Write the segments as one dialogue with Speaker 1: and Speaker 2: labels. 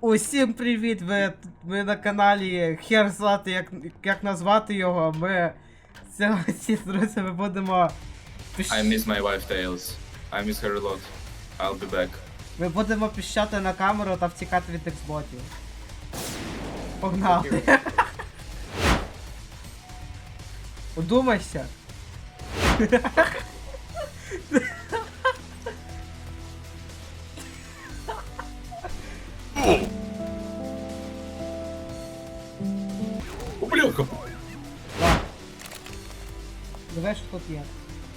Speaker 1: Усім привіт! Ви на каналі Хер знати, як назвати його. Ми сьогодні з друзями будемо...
Speaker 2: I miss my wife Tails. I miss her a lot. I'll be back.
Speaker 1: Ми будемо піщати на камеру та втікати від ексботів. Погнали! Удумайся!
Speaker 2: О, бляха!
Speaker 1: Давай, що тут є.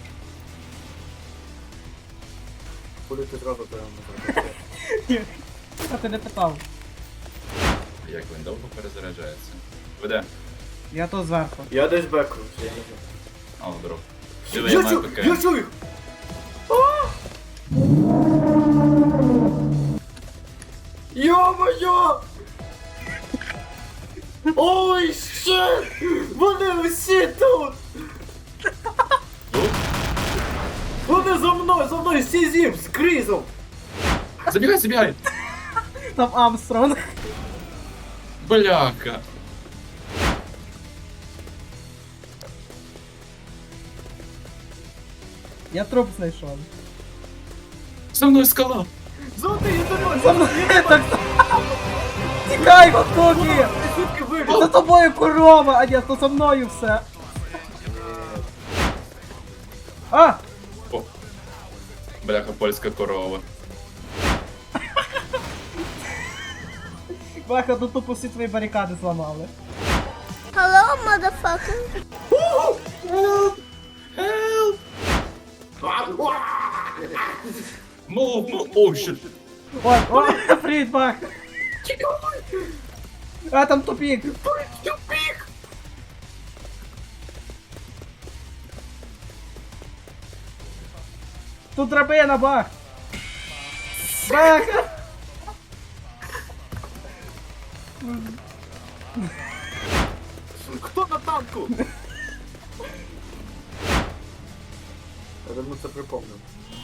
Speaker 3: Куди ти зразу прямо?
Speaker 1: А ти не питав.
Speaker 2: Як він довго перезаряджається? Ви де?
Speaker 1: Я тут зверху.
Speaker 3: Я десь беку.
Speaker 2: А, здоров. Диви, я маю ПК.
Speaker 3: Я чую! Йо-моє! Ой, щит! Вони усі тут! Вони за мною, всі зім, з Крізом!
Speaker 2: Забігай, забігай!
Speaker 1: Там Амстронг.
Speaker 2: Бляха!
Speaker 1: Я труп знайшов.
Speaker 2: За мною скала!
Speaker 3: Золотий, я за
Speaker 1: За
Speaker 3: мною!
Speaker 1: мною так. Тікай, готові!
Speaker 3: Звідки
Speaker 1: За
Speaker 3: вибіг?
Speaker 1: тобою корова, а ні, то за мною все. А!
Speaker 2: О! Бляха, польська корова.
Speaker 1: Бляха, тут тупо всі твої барикади зламали.
Speaker 4: Hello, motherfucker.
Speaker 2: Help! Move! О, щит!
Speaker 1: Ой, ой, привіт, бах! А, там тупік!
Speaker 3: Тюпік!
Speaker 1: Тут драбина, бах! Бах!
Speaker 3: Хто на танку? Я давно це припомнив.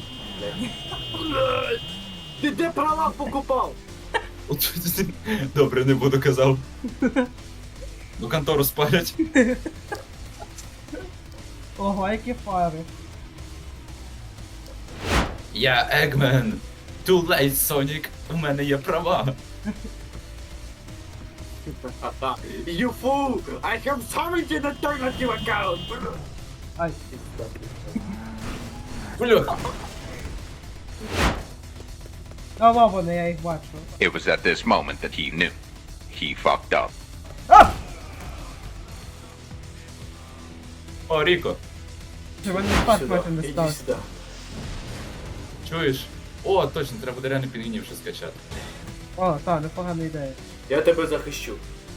Speaker 3: Ти де права покупав?
Speaker 2: От добре, не буду казав. Ну контору спалять.
Speaker 1: Ого, які фари.
Speaker 2: Я Егмен. Too late, Sonic. У мене є права.
Speaker 3: You fool! I have summoned an alternative account!
Speaker 1: Ай.
Speaker 2: Бляха.
Speaker 1: А вони, я їх бачу.
Speaker 5: It was at this moment that he knew. He fucked up.
Speaker 1: А!
Speaker 2: О, Ріко,
Speaker 1: Чи вони спас майже не
Speaker 3: Іди
Speaker 1: став?
Speaker 3: сюди.
Speaker 2: чуєш? О, точно, треба буде реально пінгвінів ще скачати.
Speaker 1: О, так, непогана ідея.
Speaker 3: Я тебе захищу.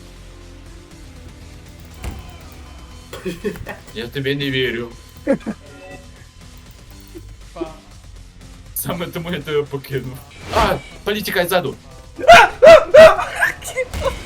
Speaker 2: Я тобі не вірю. Саме тому я тебе покинув. А, політікай ззаду.